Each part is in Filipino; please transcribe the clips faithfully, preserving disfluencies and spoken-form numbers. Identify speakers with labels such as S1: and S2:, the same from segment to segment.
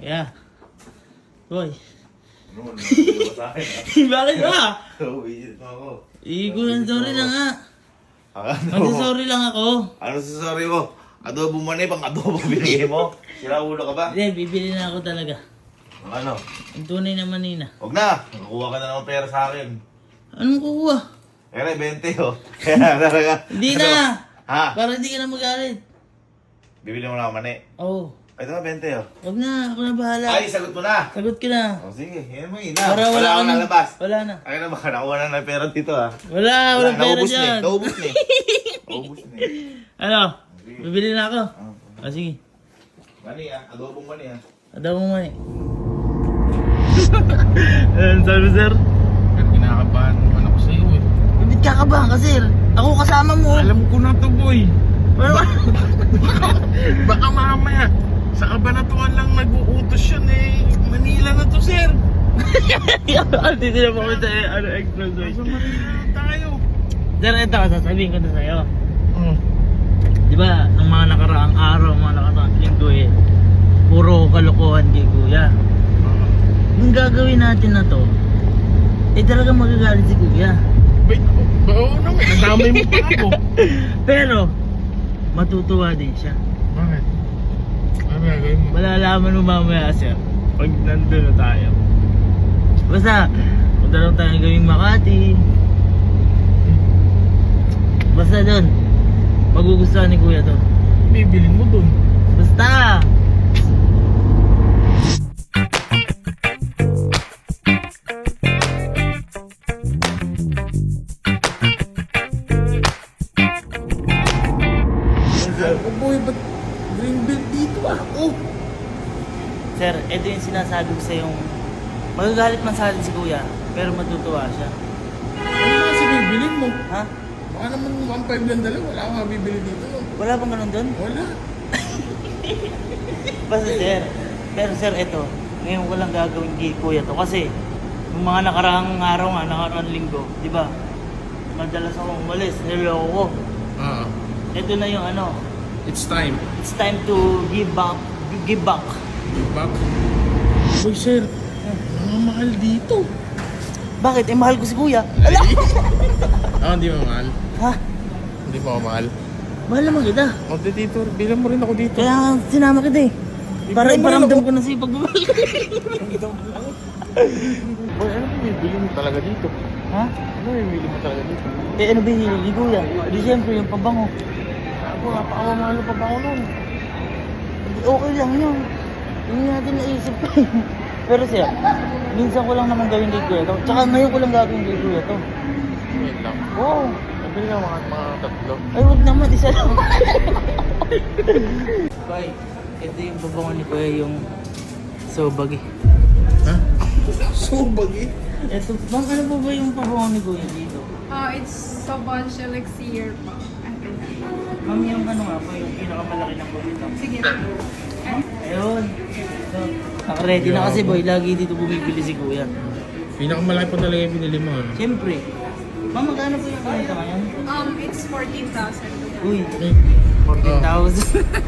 S1: Yeah. Boy.
S2: Ano, nandito sa akin ah.
S1: Bakit ba?
S2: Uwisit mo ako.
S1: Igulan sorry lang nga.
S2: Ano?
S1: Sorry lang ako.
S2: Ano sa sorry mo? Adobo man eh, pang adobo binigay mo. Sira ulo ka ba?
S1: Hindi, bibili na ako talaga.
S2: Ano?
S1: Ang tunay na manina.
S2: Huwag na. Nakuha ka na ng pera sa akin.
S1: Anong kukuha?
S2: Kaya na, twenty oh. Kaya talaga.
S1: Hindi
S2: Ano?
S1: na!
S2: Ha?
S1: Para hindi ka na magalit.
S2: Bibili mo na ako mani.
S1: Oo. Oh.
S2: Ito na, twenty oh.
S1: Huwag na, ako na bahala.
S2: Ay, sagot mo na.
S1: Sagot ka na.
S2: O sige, yan mo ina.
S1: Para
S2: Wala
S1: wala
S2: akong
S1: ka na-
S2: nalabas.
S1: Wala na.
S2: Ay na, baka nakuha na ng pera dito ah.
S1: Wala, wala pera
S2: naubos na eh.
S1: dyan.
S2: Naubos na eh. Naubos na eh.
S1: Ano? Bibili na ako.
S2: Ah,
S1: Ah, sige.
S2: Mani ah, adobong mani ah.
S1: Adaw mo man eh. Ayan, sabi sir.
S3: Pero kinakabahan naman ako sa'yo eh.
S1: Ba't kakabahan ka sir? Ako kasama mo.
S3: Alam ko na to boy.
S1: Wala.
S3: Baka mamaya, sa kabanatuan lang nag-uutos yun eh. Manila na to sir.
S1: Dito na po kita eh, ano, express way.
S3: Nasa Manila na tayo.
S1: Sir, ito, sasabihin ko na sa'yo.
S3: Oh.
S1: Di ba, nung mga nakaraang araw, mga nakaraang linggo eh, puro kalokohan kay kuya. Yung gagawin natin na to, eh talagang magagalit si kuya.
S3: Wait, oh, oo naman, nadamay mo pa ako.
S1: Pero, matutuwa din siya.
S3: Bakit? Ano gagawin mo?
S1: Malalaman mo mamaya sir, pag nandun na tayo. Basta, punta lang tayo gawing Makati. Basta dun, magugustuhan ni kuya to.
S3: Bibilin mo dun.
S1: Basta!
S3: Oh boy, ba't green belt dito ah? Oh!
S1: Sir, ito yung sinasabi ko sa yung magagalit man sa atin si kuya, pero matutuwa siya.
S3: Ano na kasi bibilin mo?
S1: Ha?
S3: Baka naman one five lang dala, wala akong mabibili dito. No?
S1: Wala bang ganun doon?
S3: Wala.
S1: Basta sir, pero sir, ito, ngayon ko lang gagawin kay kuya to kasi yung mga nakaraang araw nga, nakaraang linggo, di ba? Madalas akong umalis, niloko ko.
S3: Ah,
S1: Ito na yung ano,
S3: it's time.
S1: it's time to give back, give back.
S3: Give back. Boy sir, mahal dito.
S1: Bakit? Eh, mahal ko si kuya.
S3: Ah, hindi mo mahal.
S1: Ha?
S3: Hindi mo ako mahal.
S1: Mahal naman kita.
S3: O, dito, bilang mo rin ako dito.
S1: Kaya nga sinama kita eh. Para
S3: Ikaw,
S1: iparamdam
S3: mahal
S1: ko na sa'yo pagmamahal ko.
S3: Boy, ano ba yung bili mo talaga dito?
S1: Ha?
S3: Ano yung bili mo talaga dito?
S1: Eh ano ba yung hilig ni kuya? Di siyempre yung pabango. Ako, napakawamahal ng pabango nun. Hindi, okay lang yun. Hindi natin naisip ko. Pero siya, minsan ko lang naman gawin kay kuya to. Tsaka ngayon ko lang gagawin kay kuya to.
S3: Wait lang.
S1: Oo.
S3: Nabili ka mga, mga tatlo.
S1: Ay, wag naman, isa lang. Koy, ito yung pabango ni kuya, yung sobagi.
S3: Ha? Subag eh.
S1: Ito, bang ano po ba yung pabango ni kuya dito?
S4: Uh, it's Sauvage Elixir po. Ano?
S1: Ma'am, yung ano nga po, yung pinakamalaki ng bubito.
S4: Sige po.
S1: Ayun. So, nakaready na kasi boy, lagi dito bumibili si kuya.
S3: Pinakamalaki po talaga yung binili mo. Ano?
S1: Siyempre. Ma'am, magkano po yung kanita ngayon?
S4: Um, it's fourteen thousand.
S1: Uy,
S3: Eh,
S1: fourteen thousand.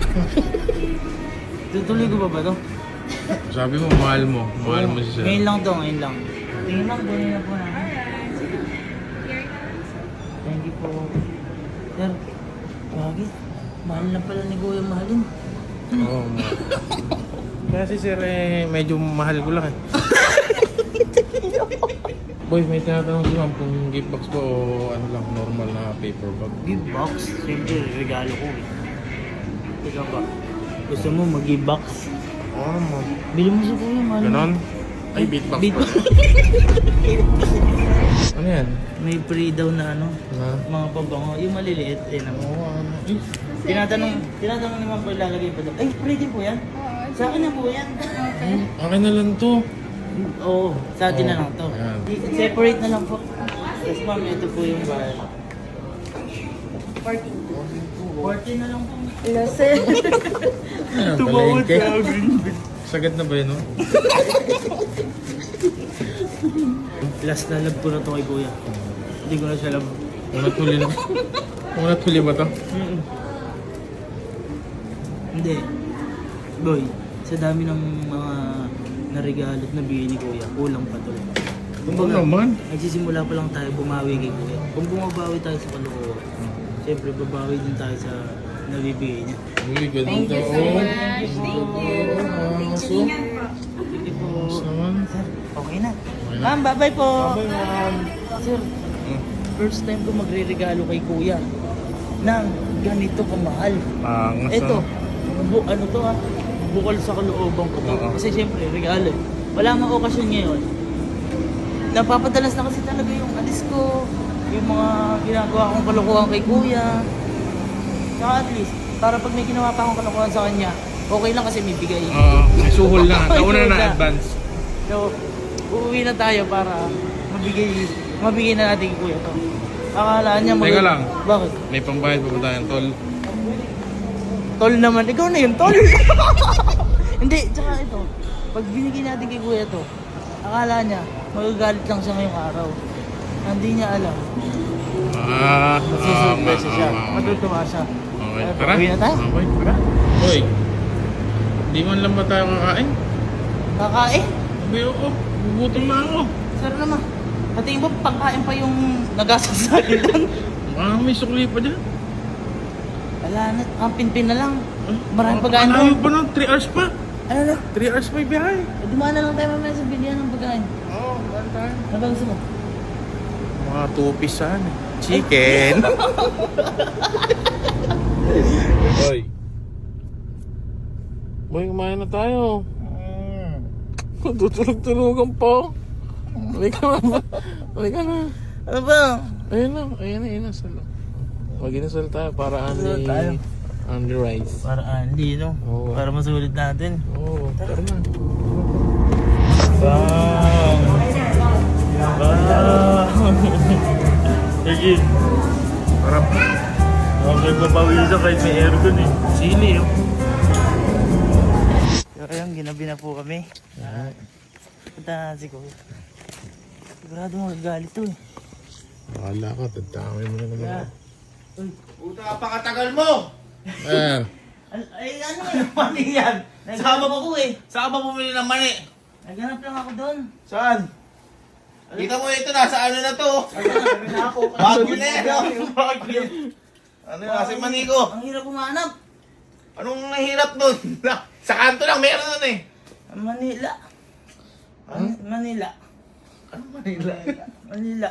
S1: Tutuloy ko pa ba to?
S3: sabi mo, mahal mo. Mahal mo si sir.
S1: Ngayon lang to, ngayon lang. Tingin lang, kunin na po namin. Thank you po. Sir, bagay. Mahal na pala ni kuya mahalin.
S3: Oo, mahal. Kaya si sir eh, medyo mahal ko lang eh. Boy, may tinatanong si ma'am kung gift box ba o ano lang, normal na paper bag.
S1: Give box? Siyempre, regalo ko eh. Ikaw ba? Gusto mo mag-give box?
S3: Oo, ma'am.
S1: Bili mo sa kuya, mahal.
S3: Ganon? Ay, beatbox
S1: Beat
S3: ba? Ano yan?
S1: May free daw na ano,
S3: Na?
S1: mga pabango. Yung maliliit, eh naman.
S3: Oo, ano? Eh,
S1: Tinatanong, tinatanong naman po ilalagay pa daw. Ay, free din po yan.
S4: Oo,
S1: Sa akin na po yan.
S4: okay.
S3: akin na lang to.
S1: Oo, sa atin na
S3: Oo,
S1: lang to.
S3: ayan.
S1: I- Separate na lang po. Yes ma'am, ito po yung bayad. fourteen. fourteen na lang po.
S4: Lasel.
S3: Ano,
S1: Tumawad
S3: palengke?
S1: ka agad.
S3: Sagad na ba yun, no?
S1: Last na love ko na to kay kuya. Hindi ko na siya love.
S3: Unat huli na. Unat huli ba to?
S1: Hindi. Boy, sa dami ng mga naregalo at nabili ni Kuya, kulang pa to.
S3: Oo naman.
S1: Nagsisimula pa lang tayo bumawi kay Kuya. Kung bumabawi tayo sa kalokohan, siyempre babawi din tayo sa nabibigay niya.
S3: Uy, ganda.
S4: Thank you so
S3: oh.
S4: much. Thank you. Thank you. Ingat po.
S1: Sige po.
S3: Naman.
S1: Sir, okay na. Ma'am, bye-bye po.
S3: Bye, ma'am.
S1: Sir, first time ko magre-regalo kay Kuya ng ganito kamahal.
S3: Pangas
S1: Ito,
S3: ah.
S1: bu ano to ah, bukal sa kalooban ko to.
S3: Oo.
S1: Kasi siyempre, regalo. eh. Wala mang okasyon ngayon. Napapadalas na kasi talaga yung alis ko, yung mga ginagawa kong kalokohan kay Kuya. Saka at least, para pag may ginawa pa akong kalokohan sa kanya, okay lang kasi may bigay.
S3: Oo, may suhol na.
S1: May
S3: Nauna
S1: suhol
S3: na
S1: na.
S3: advance.
S1: So, uuwi na tayo para mabigay, mabigay na natin kay Kuya to. Akala niya mag-
S3: Teka lang.
S1: Bakit?
S3: May pambayad pa ba tayong tol?
S1: Tol naman. Ikaw na yun, tol. Hindi, tsaka ito. Pag binigay natin kay Kuya to, akala niya, magagalit lang siya ngayong araw. Hindi niya alam.
S3: Ah,
S1: Magsusurpresa siya.
S3: ah, ah,
S1: Matutuwa siya.
S3: Okay,
S1: Ay,
S3: tara.
S1: Uwi na tayo.
S3: Okay, tara. Hoy, di man lang ba tayo kakain?
S1: Kakain.
S3: Hindi ako. Gugutom na ako.
S1: Sir naman. Patingin mo, pangkain pa yung nagasas sa akin doon.
S3: Ah, may sukli pa dyan.
S1: Wala na. Ang pinpin na lang.
S3: Ah,
S1: Maraming
S3: ah,
S1: pagkain
S3: malayo
S1: doon.
S3: pa nun, three hours pa.
S1: Ano na?
S3: three hours pa yung biyahe.
S1: Eh, dumaan na lang tayo mamaya sa bilihan ng pagkain.
S3: Oo, oh, saan tayo?
S1: Ano ba gusto mo?
S3: Mga two-piece saan eh. Chicken. Hoy. Boy, kumain na tayo. Tutulog-tulogan pa. Halika na. Halika na.
S1: Ano ba?
S3: Ayun na, ayun na, ayun na. Salo. Mag-inasal tayo para
S1: Inasal
S3: ani
S1: tayo.
S3: on the rice.
S1: Para Andy, no?
S3: Oo.
S1: Para masulit natin.
S3: Oo, oh, tara na.
S1: Bang! Bang! Sige.
S3: Harap.
S1: Okay, papawisan kahit may aircon eh.
S3: Sili oh.
S1: So ayun, ginabi na po kami. Punta na si Kuya. Sigurado magagalit to eh.
S3: Wala ka, tadamay mo na naman
S1: Kaya,
S3: ako.
S1: uy,
S2: Puta, napakatagal mo!
S3: Ayan.
S1: al- ay ano yung mali yan? Naghanap ako eh.
S2: Saan ka ba bumili ng mani?
S1: Naghanap lang ako doon.
S2: Saan? Kita mo ito, nasa ano na to?
S1: Naghanap ako.
S2: Bago na yan. Ano yung nasa yung mani ko?
S1: Ang hirap humanap.
S2: Anong nahirap nun? Sa kanto lang, meron nun eh.
S1: Manila. Man- Manila.
S2: Ano Manila?
S1: Manila.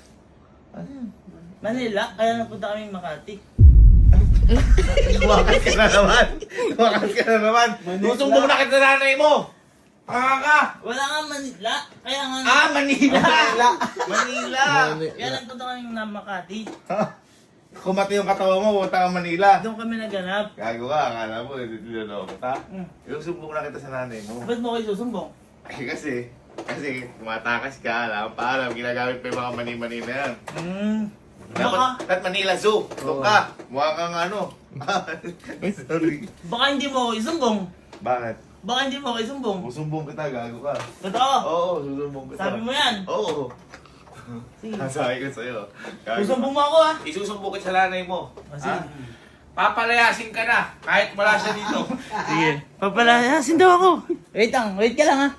S1: Manila. Kaya napunta kami Makati.
S2: Tumakas ka na naman. Tumakas ka na naman. Susumbong na kita sa nanay mo. Panga ka.
S1: Wala nga Manila. Kaya nga.
S2: Ah, Manila. Manila.
S1: Kaya nagpunta kami na Makati.
S2: Kumati yung katawa mo, punta ka Manila.
S1: Doon kami naghanap.
S2: Gago ka, akala mo, niloloko kita.
S1: Hmm.
S2: Yung sumbong na kita sa nanay mo.
S1: Ba't mo kayo susumbong?
S2: Ay kasi, kasi tumatakas ka, alam pa, alam, ginagamit pa yung mga mani-mani na yan.
S1: Hmm.
S2: Dapat,
S1: Baka,
S2: at Manila Zoo, doon ka, mukha kang ano. Sorry.
S1: baka hindi mo ako isumbong.
S2: Bakit?
S1: Baka hindi mo ako isumbong.
S2: Susumbong kita, gago ka.
S1: Totoo.
S2: Oo, susumbong kita.
S1: Sabi mo yan.
S2: Oo.
S1: Sige.
S2: Sabi ko sa'yo. Gago.
S1: Susumbong mo ako ah.
S2: Isusumbong kita sa nanay mo.
S1: Ah, sige.
S2: Ha? Papalayasin ka na, kahit wala siya dito.
S1: Sige. Papalayasin daw ako. Wait lang, wait ka lang ha.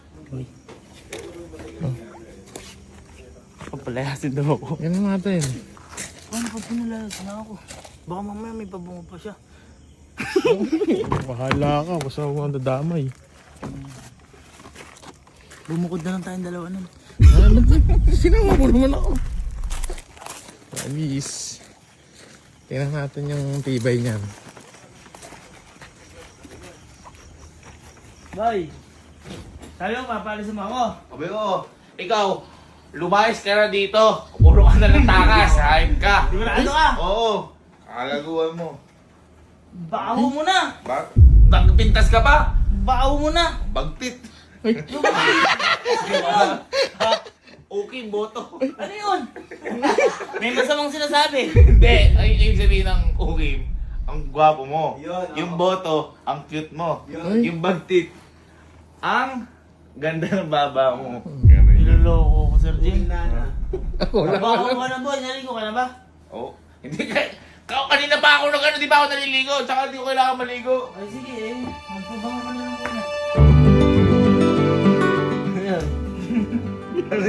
S1: Papalayasin daw ako.
S3: Yan natin.
S1: Paano pag pinalayas na ako? Baka mamaya may pabungo pa siya.
S3: Bahala ka, basta huwag kang dadamay.
S1: Bumukod na lang tayong dalawa nun.
S3: Ano ba? Sinama mo naman ako. Alis. Tingnan natin yung tibay niyan.
S1: Boy! Sabi mo, papalisin mo ako.
S2: Sabi ko, ikaw, lumayas ka na dito. Puro ka na ng takas, hayop ka.
S1: Sigurado ka?
S2: Oo, kalaguan mo.
S1: Baho mo na!
S2: Bak Nagpintas ka pa?
S1: Baho mo na!
S2: Bagtit.
S1: Ano yun?
S2: Okay, boto.
S1: Ano yun? May masamang sinasabi.
S2: Hindi, ay ibig sabihin ng okay, ang gwapo mo. Yung boto, ang cute mo. Yung bagtit, ang ganda ng baba mo. Ganun yun.
S1: Niloloko ko, Sir Jim.
S3: Wala
S1: Baho ka na, boy. Naligo ka na ba?
S2: Oh, hindi ka. Ka kanina pa ako nag ano, di ba ako naliligo? Tsaka hindi ko kailangan maligo.
S1: Ay, sige eh. Magpabango ka na lang muna.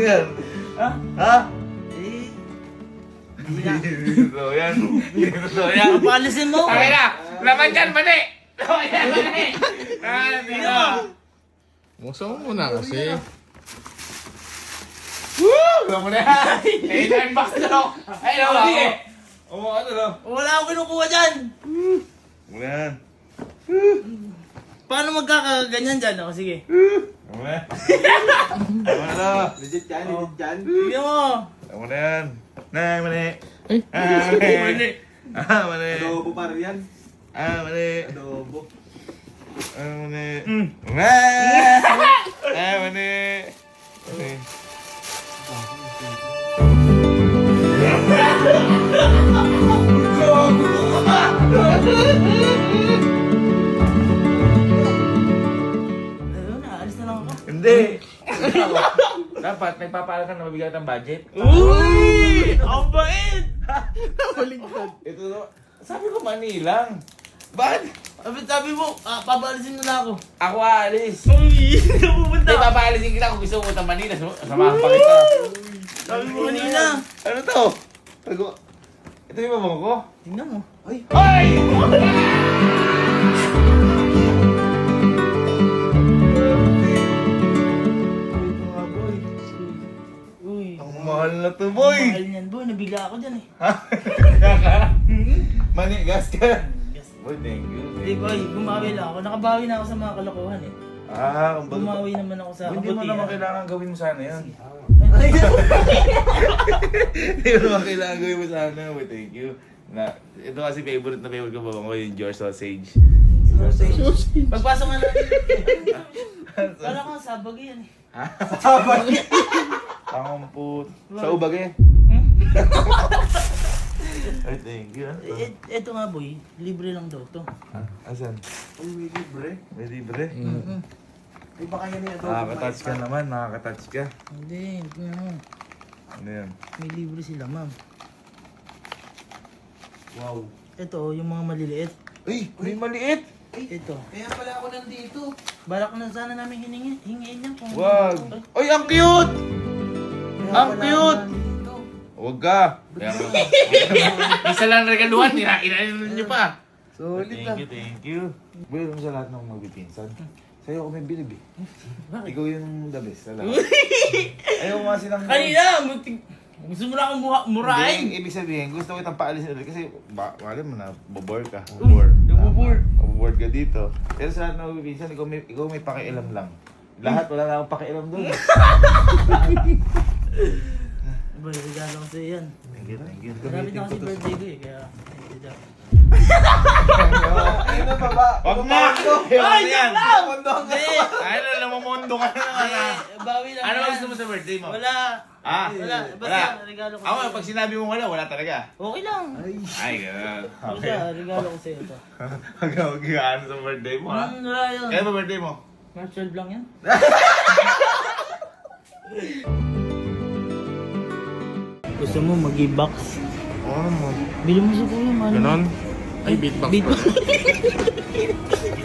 S2: yan?
S1: Ha?
S2: Ha?
S1: Eh,
S2: Hindi totoo yan. Hindi totoo yan.
S1: papalisin mo.
S2: Ay na! Laman dyan, mani! Laman dyan, mani! Ah, hindi na.
S3: Musa mo muna kasi.
S2: Woo! Alam mo na yan! Eh, nine bucks na lang! Ay, naman ako! Oo, ano lang?
S1: Wala akong kinukuha dyan.
S2: Ano yan?
S1: Paano magkakaganyan dyan? Ako, sige.
S2: Ano na? Ano na lang?
S5: Legit yan, legit yan.
S1: Sige mo.
S2: Ano na yan? Na, mani!
S3: Ay.
S2: Ah, mani! Ah, mani!
S5: Adobo pa rin yan.
S2: Ah, mani!
S5: Adobo.
S2: Ah, mani! Ah! Ah, mani! Mani!
S1: Ayun na, alis na lang ako.
S2: Hindi! Dapat, nagpapaalam ka na mabigyan ng budget.
S1: Uy! Ang bait!
S2: Ito na. Sabi ko Manilang. Bakit?
S1: Sabi, sabi mo, ah, papalisin mo na ako.
S2: Ako aalis.
S1: Uy! Napupunta.
S2: Hindi, papaalisin kita kung gusto mo ng Manila. Sam- Samahan pa kita.
S1: Sabi mo kanina.
S2: Ano to? Tago. Ito yung babang ko?
S1: Tingnan mo. Ay!
S2: Ay! Ito nga, boy.
S1: Uy.
S2: Ang mahal na to, boy.
S1: Mahal niyan, boy. Nabigla ako dyan eh.
S2: Kaka? Mani, gas ka. Boy, thank you.
S1: Hindi, boy. Bumawi lang ako. Nakabawi na ako sa mga kalokohan eh.
S2: Ah, ang bago.
S1: Bumawi naman ako sa
S2: Hindi mo
S1: kabutihan.
S2: naman kailangan gawin mo sana yan.
S1: Ay,
S2: Hindi mo naman kailangan gawin mo sana. Boy, thank you. Na, ito kasi favorite na favorite ko babang ko yung George Sausage.
S1: Pagpasok nga natin. Kala ko sabag yan eh.
S2: Pangamput. Sa ubag eh.
S1: Hmm?
S2: Ay, thank you. ah.
S1: Eh, eto nga boy, libre lang daw to.
S2: Ah, asan?
S5: Ay, may libre.
S2: May libre.
S1: Mm-mm.
S5: Ay, baka yan yung adobo.
S2: Nakaka-touch ka naman, nakaka-touch ka.
S1: Hindi, ano,
S2: Ano yan?
S1: may libre sila ma'am.
S5: Wow.
S1: Ito, yung mga maliliit.
S2: Uy, may maliit!
S1: Ito.
S5: Kaya pala ako nandito.
S1: Balak na sana namin hiningi, hingiin niya kung...
S2: Wag!
S1: Ay,
S2: Uy, ang cute!
S5: Kaya
S2: Ang
S5: pala
S2: cute!
S5: ako nandito.
S2: Huwag ka! Kaya mo. Isa lang regaluhan, inainin niyo pa.
S5: Solid
S2: Thank
S5: ah.
S2: you, thank you. Boy, alam mo sa lahat ng magpipinsan. Sa'yo ako may bilib eh. Ikaw yung the best sa lahat. Ayaw mo kasi ng...
S1: Kanina! muntik- Gusto mo na akong mura- murahin!
S2: Hindi, ibig sabihin, gusto ko itang paalisin ulit kasi ba, wala mo na, bobor ka.
S1: Uy,
S2: Bobor.
S1: nabobore.
S2: Bobor ka dito. Pero sa lahat ng magpipinsan, ikaw may, ikaw may pakialam lang. Lahat, wala na akong pakialam doon.
S1: Boy, regalo ko sa'yo yan.
S2: Thank you, thank you.
S1: Marami na kasi birthday ko eh, kaya... thank you daw.
S5: Ayun na baba.
S2: Wag na! Ay, yan!
S1: Hindi!
S2: Ay, na, namamondo ka na naman
S1: Hindi!
S2: ah.
S1: Bawi lang
S2: Ano
S1: yan.
S2: gusto mo sa birthday mo?
S1: Wala!
S2: Ah,
S1: Wala!
S2: wala.
S1: Basta, regalo ko
S2: Ako,
S1: sa'yo.
S2: pag sinabi mo wala, wala talaga.
S1: Okay lang!
S2: Ay, gano'n.
S1: Basta, regalo ko sa'yo ito.
S2: Huwag ka mag-iano sa birthday mo, ha?
S1: Hmm, wala yun.
S2: Kaya ba birthday mo?
S1: March twelve lang yan. Gusto mo mag-i-box?
S2: Oo naman.
S1: Bili mo sa kuya, man.
S3: Ganon? Ay, beatbox
S1: Beat-
S3: pa.